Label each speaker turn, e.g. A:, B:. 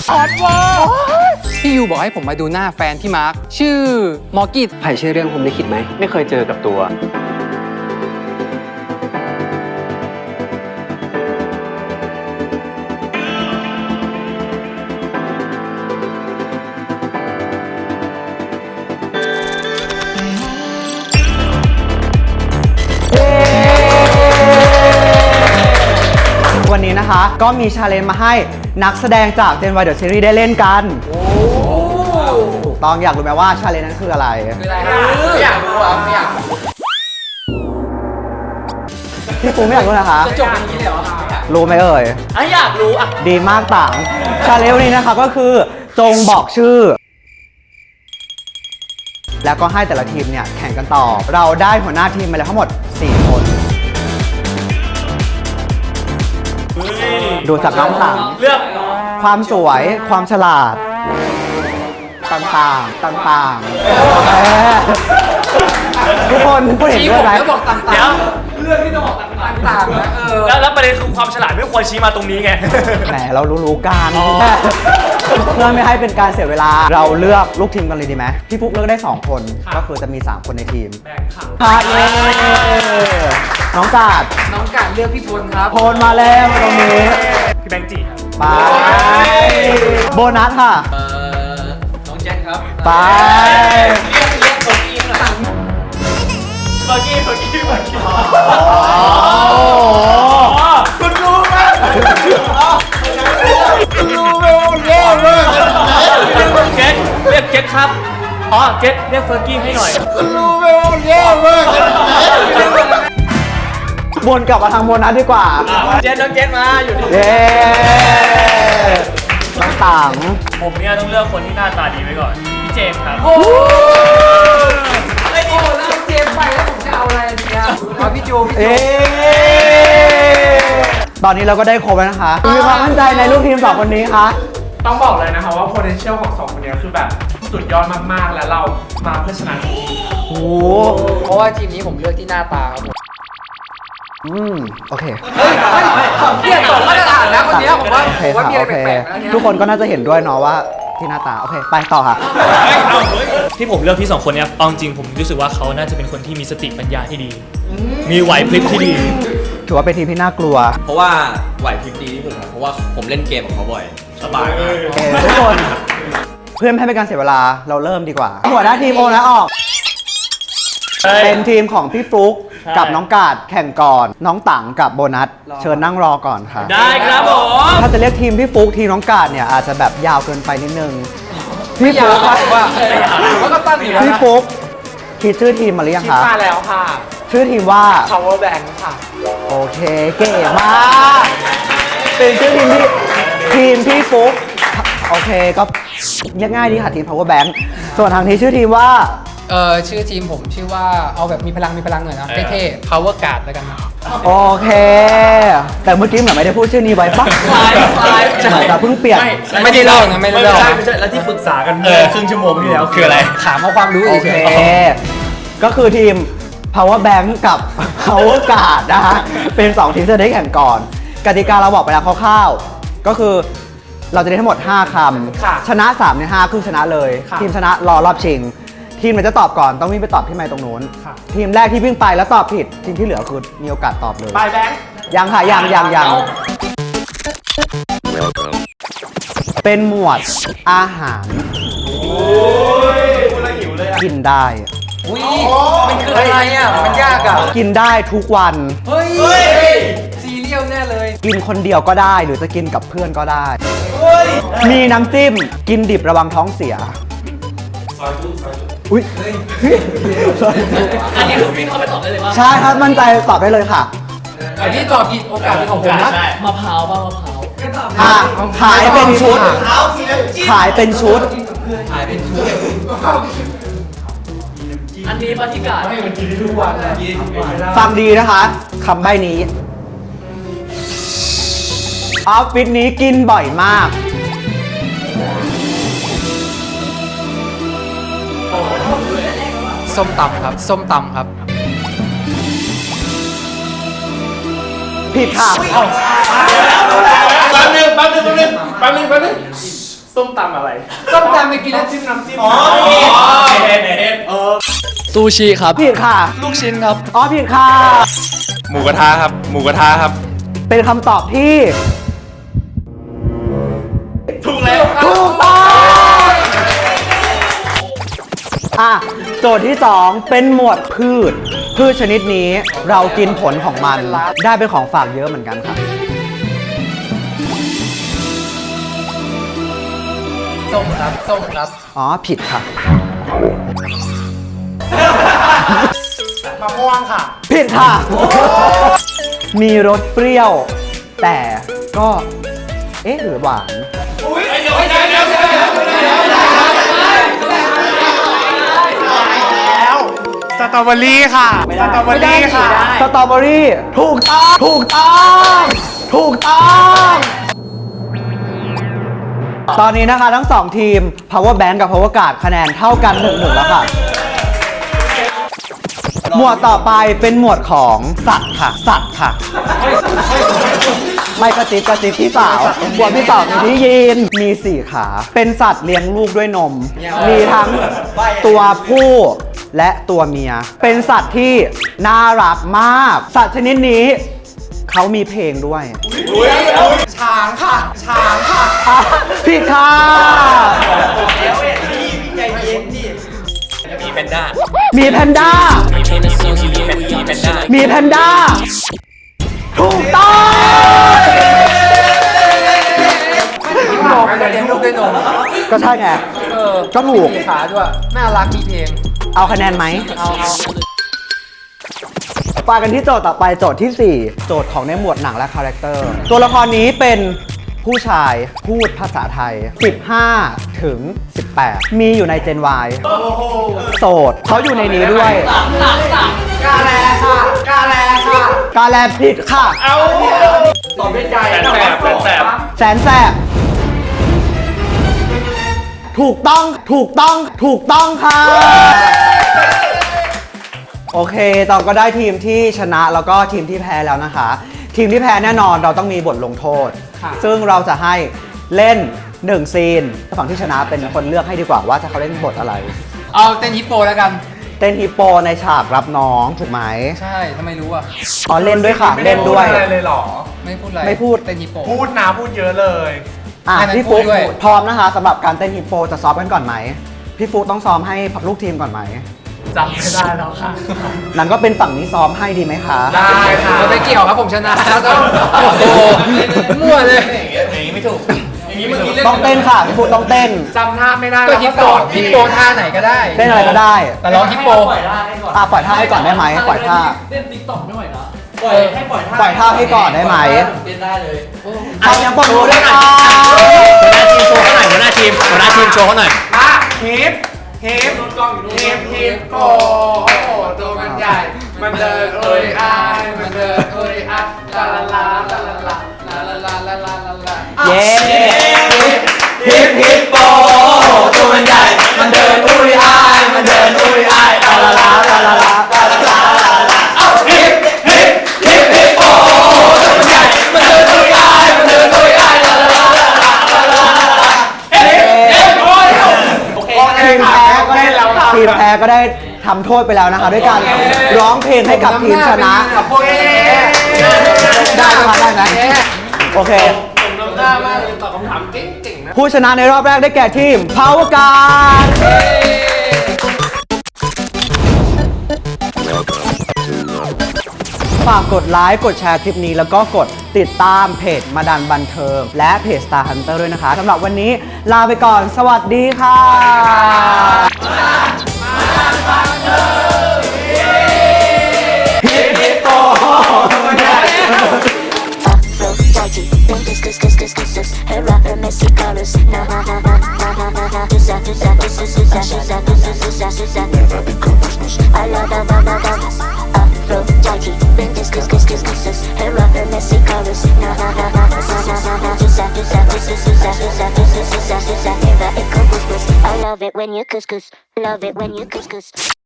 A: ออดว่าพี่ยูบอกให้ผมมาดูหน้าแฟนพี่มาร์คชื่อมอร์กิต
B: ไผ่ชื่อเรื่องผมได้คิดไหมไม่เคยเจอกับตัว
C: วันนี้นะคะก็มีชาเลนจ์มาให้นักแสดงจาก Gen Y The Series ได้เล่นกันถูกต้องอยากรู้ไหมว่าชาเลนจ์นั้นคืออะไร
A: ไม่อยากรู้อ่ะไม่อยาก
C: พี่ปูไม่อยากรู้นะคะ
A: จะจบอย่างนี้เลยเหรอ
C: รู้ไหมเอ่ย
A: อยากรู้อ่ะ
C: ดีมากต่างชาเลนจ์วันนี้นะคะก็คือจงบอกชื่อ แล้วก็ให้แต่ละทีมเนี่ยแข่งกันต่อเราได้หัวหน้าทีมมาแล้วทั้งหมด4 คนดูจากน้องต่างเลือกความสวยความฉลาดต่างๆทุกคนพูดเห็นด้วยไหม
A: บอกต่างๆ
D: เดี๋ยว
A: เรื่องที่ต้องบอกต่างๆนะ
D: แล้วประเด็นคือความฉลาดไม่ควรชี้มาตรงนี้ไง
C: แหมเรารู้ๆกันเพื่อไม่ให้เป็นการเสียเวลาเราเลือกลูกทีมกันเลยดีไหมพี่ฟุ๊กเลือกได้2 คนก็คือจะมี3 คนในทีมค่ะเย้น้องกาด
A: น้องการเลือกพี่พลครับ
C: โพลมาแล้วตรงนี้
D: พี่แบงค์จีครับ
C: ไปโบนัสค่ะ
A: น้องแจ็คครับ
C: ไป
A: เรียกคนอีกหน่อย
D: เมื่อกี้
C: คุณรู้ไหม
D: เจ็ดเรียกเจ็ดครับอ๋อเจ็ดเรียกเฟอร์กี้ให้หน่อย
C: วนกลับมาทางโบนัสดีกว่า
D: เจ็ดน้องเจ็ดมาอยู่นี่
C: เย้ต่าง
D: ผมเนี่ยต้องเลือกคนที่หน้าตาดีไว้ก่อนพี่เจมส์ครับ
A: โอ้ยนี่หมดแล้วเจมไปแล้วผมจะเอาอะไรดีอ่ะเอาพี่โจพี่โจ
C: ตอนนี้เราก็ได้ครบแล้วนะคะมีความมั่นใจในลูกทีม2 คนนี้คะ
E: ต้องบอกเลยนะคะว่า potential ของ2 คนนี้คือแบบสุดยอดมากๆ และเรามาเพื่อชนะจริง
C: โอ้
A: เพราะว่าทีมนี้ผมเลือกที่หน้าตาครับผม
C: โอเค
A: เทียบกับมาตรฐานนะคนนี้ผมว่า
C: โอเค
A: ผมว่า
C: ค่ะ
A: มีอะไร
C: โอเค
A: แปลกๆนะเนี่ย
C: ทุกคนก็น่าจะเห็นด้วยเนาะว่าที่หน้าตา โอเค ไปต่อค่ะ
D: ที่ผมเลือกพี่2 คนเนี่ยเอาจริงผมรู้สึกว่าเขาน่าจะเป็นคนที่มีสติปัญญาที่ดี มีไหวพริบที่ดี
C: ถือว่าเป็นทีมที่น่ากลัว
F: เพราะว่าไหวพริบดีที่สุดครับเพราะว่าผมเล่นเกมกับเขาบ่อย สบายมาก
C: โอเคทุกคน เพื่อไม่ให้เป็นการเสียเวลาเราเริ่มดีกว่า หัวหน้าทีมโอนะออก เป็นทีมของพี่ฟลุ๊ก
D: ใช่
C: กับน้องกาดแข่งก่อน น้องตังกับโบนัส เชิญนั่งรอก่อนค่ะ
D: ได้ครับผม
C: ถ้าจะเรียกทีมพี่ฟลุ๊กทีมน้องกาดเนี่ยอาจจะแบบยาวเกินไปนิดนึง พี่ฟลุ๊ก
A: ว่าผมว่าก็ตั้งอยู่แล้ว
C: พี่
A: นะ
C: ฟลุ๊กคิดชื่อทีมมาหรือยัง
E: ๆคิด
C: คะ
E: มาแล้วค่ะ
C: ชื่อทีมว่า
E: power bank ค่ะ
C: โอเคเก๋มากเป็นชื่อทีมพี่ฟุ๊กโอเคก็เรียกง่ายดีค่ะทีม power bank ส่วนทางนี้ชื่อทีมว่า
A: ชื่อทีมผมชื่อว่าเอาแบบมีพลังหน่อยนะเท่ๆ power guard แล้วกันนะ
C: โอเค แต่เมื่อกี้เหมือนไม่ได้พูดชื่อนี้ไว้ปะ
A: คล้าย
C: เหมือนจะเพิ่งเปลี่ยน
A: ไม่ได้เล่านะไม่ได้เล่า
F: ไม่ใช่ แล้วที่ปรึกษากันครึ่งชั่วโมงที่แล้ว
D: คืออะไร
A: ถามเอาความรู้
C: โอ
A: เฉ
C: เค
A: ย
C: ก็คือทีม power bank กับ power guard นะฮะเป็น2ทีมที่จะได้แข่งก่อน กติกาเราบอกไปแล้วคร่าวๆก็คือเราจะได้ทั้งหมด5คำชนะ3ใน5คือชนะเลย ทีมชนะรอรอบชิง ทีมไหนจะตอบก่อนต้องวิ่งไปตอบที่ไมค์ตรงนู้น ทีมแรกที่วิ่งไปแล้วตอบผิด ทีมที่เหลือคือมีโอกาสตอบเลย
E: บายแบงค์
C: ยังค่ะยังเป็นหมวดอาหารกินได้
A: ๆอุ้ยมันคืออะไรอ่ะมันยากอ่ะ
C: กินได้ทุกวัน
A: เฮ้ยซีเรียลแน่เลย
C: กินคนเดียวก็ได้หรือจะกินกับเพื่อนก็ได้ มีน้ำจิ้ม กินดิบระวังท้องเสียอุ้ย
D: อันนี้คือพี่เข้าไปตอบได้เลยว่า
C: ใช่ครับมั่นใจตอบได้เลยค่ะ
A: อันนี้ตอบผิดโอกาสเป็นของผมนะ
D: มะพร้าวป่ะมะพร้าว
C: อ่ะขายเป็นชุด ขายเป็นชุด
D: อันนี้ปฏิกาศ
C: ฟังดีนะคะคำใบ้นี้ออฟฟิศนี้กินบ่อยมาก
A: ส้มตำครับ ส้มตำครับ
C: ผิดค่ะ
E: แป๊บนึงส้มตำอะไร
A: ส้มตำไปกินแล้ว
E: จิ้มน้ำจิ้ม
F: ซูชิครับ
C: ผิดค่ะ
F: ลูกชิ้นครับ
C: อ๋อผิดค่ะ
G: หมูกระทะครับ หมูกระทะครับ
C: เป็นคำตอบที่
E: ถูกแล้ว
C: ถูกต้องอ่ะโจทย์ที่ 2 เป็นหมวดพืช พืชชนิดนี้เรากินผลของมัน ได้เป็นของฝากเยอะเหมือนกันค่ะ
A: ส้มครับส้มครับ
C: อ๋อผิดค่ะ
E: มะม่วงค่ะ
C: ผิดค่ะ มีรสเปรี้ยว แต่ก็เอ๊ะหรือหวาน
E: แล้วสตรอเบอรี่ค่ะสตรอเบอรี่ค่ะ
C: สตรอเบอรี่ถูกต้องถูกต้อง ถูกต้อง ตอนนี้นะคะทั้ง 2 ทีม Power Bank กับ Power Guard คะแนนเท่ากัน 1-1 แล้วค่ะ หมวดต่อไปเป็นหมวดของสัตว์ค่ะ สัตว์ค่ะ ไม่กระซิบพี่สาวหมวดที่สองมีที่ยีนมี 4 ขา เป็นสัตว์เลี้ยงลูกด้วยนม มีทั้งตัวผู้และตัวเมีย เป็นสัตว์ที่น่ารักมาก สัตว์ชนิดนี้เขามีเพลงด้วย
E: ช้างค่ะ ช้างค่ะ
C: อ่ะผิดค่ะ
D: มีแพนด้า
C: มีแพนด้า มีแพนด้า ถูกต้อง
A: นมเลี้ยงลูกด้วยนม
C: ก็ใช่ไง ก็ถูก
A: มีขาด้วย น่ารักมีเพลง
C: เอาคะแนนไหม
A: เอา
C: ไปกันที่โจทย์ต่อไปโจทย์ที่ 4 โจทย์ของในหมวดหนังและคาแรคเตอร์ ตัวละครนี้เป็นผู้ชายพูดภาษาไทย 15 ถึง 18 มีอยู่ใน Gen Y โสดเขาอยู่ในนี้ด้วย
E: กาแลค่ะ กาแลค่ะ
C: กาแลผิดค่ะ
E: ตอบด้วยใจ
C: แสนแสบ ถูกต้อง ถูกต้อง ถูกต้องค่ะ โอเคตอนก็ได้ทีมที่ชนะแล้วก็ทีมที่แพ้แล้วนะคะ ทีมที่แพ้แน่นอนเราต้องมีบทลงโทษ ซึ่งเราจะให้เล่น1ซีนฝั่งที่ชนะเป็นคนเลือกให้ดีกว่าว่าจะเขาเล่นบทอะไร
A: เอาเต้นฮิปโปแล้วกัน
C: เต้นฮิปโปในฉากรับน้องถูกไหม
A: ใช่ทำไมรู้อ่ะ
C: อ๋อเล่นด้วยค่ะ เล่นด้วย
E: ไม่ไพูอะไรเลยเหรอ
A: ไม่พูดอะไร
C: ไม่พูด
A: เต้นฮิปโป
E: พูดนะพูดเยอะเลย
C: อ่ะ
A: ให้มัน
C: พี่ฟุ๊ก
A: พูดด้วย
C: พร้อมนะคะสำหรับการเต้นฮิปโปจะซ้อมกันก่อนไหมพี่ฟุ๊กต้องซ้อมให้ลูกทีมก่อนไหม
E: จำไม่ได้แล้วค่ะ
C: นั้นก็เป็นฝั่งนี้ซ้อมให้ดีไหมคะ
E: ได้ค่ะ
A: เราไม่เกี่ยวครับผมชนะแล้วก็โอ้โหมั่วเลย
C: ต้องเต้นค่ะพี่ฟุ๊กต้องเต้น
E: จำท่าไม่ได้
A: ก็
E: แล้ว
A: ฮิปโป
E: สอน
A: ฮิปโปท่าไหนก็ได้
C: เต้นอะไรก็ได้
A: แต่ร้องฮิปโป
C: ปล่อยท่าให้ก่อนได้ไหมปล่อยท่า
F: เต้นติ๊กต็อกไม่ไหวนะ
C: ปล่อยท่าให้ก่อนได้ไหม
F: เต้นได้เลย
C: เอาอย่างปนมือด้วยค่ะ
D: หัวหน้าทีมโชว์เขาหน่อย
E: อ่ะฮิปฮิปฮิปฮิปโปโอ้โหตัวมันใหญ่ มันเดินเอ้ยอายมันเดินเอ้ยอายลาลาลาลาลาลาลาลาลาลาลาลาลา
C: เย้
F: ฮิปฮิปโปตัวมันใหญ่ มันเดินอุ้ยอาย มันเดินอุ้ยอายลาลาลาลาลาลาลาลาลาลาเอ้าฮิปฮิปฮิปฮิปโปตัวมันใหญ่ มันเดินอุ้ยอาย มันเดินอุ้ยอายลาลาลาลาลาลาลาฮิปฮิปโอ้ยโอเค
C: ทีมแพ้ก็ได้ทีมแพ้ก็ได้ทำโทษไปแล้วนะคะ ด้วยการร้องเพลงให้กับทีมชนะ
A: โอเค
C: ได้ไหมคะได้ไหมโอเค ผู้ชนะในรอบแรกได้แก่ทีม Power Guard ฝากกดไลค์กดแชร์คลิปนี้แล้วก็กดติดตามเพจมาดันบันเทิง และเพจ Star Hunter ด้วยนะคะสำหรับวันนี้ลาไปก่อนสวัสดีค่ะ
H: Aphrodite, when this, her rapper messy colors. Na ha ha ha ha ha ha ha. Do that, never become business. I love Aphrodite, when this, her rapper messy colors. Na ha ha ha ha ha ha. Do that, never become business. I love it when you couscous, love it when you couscous.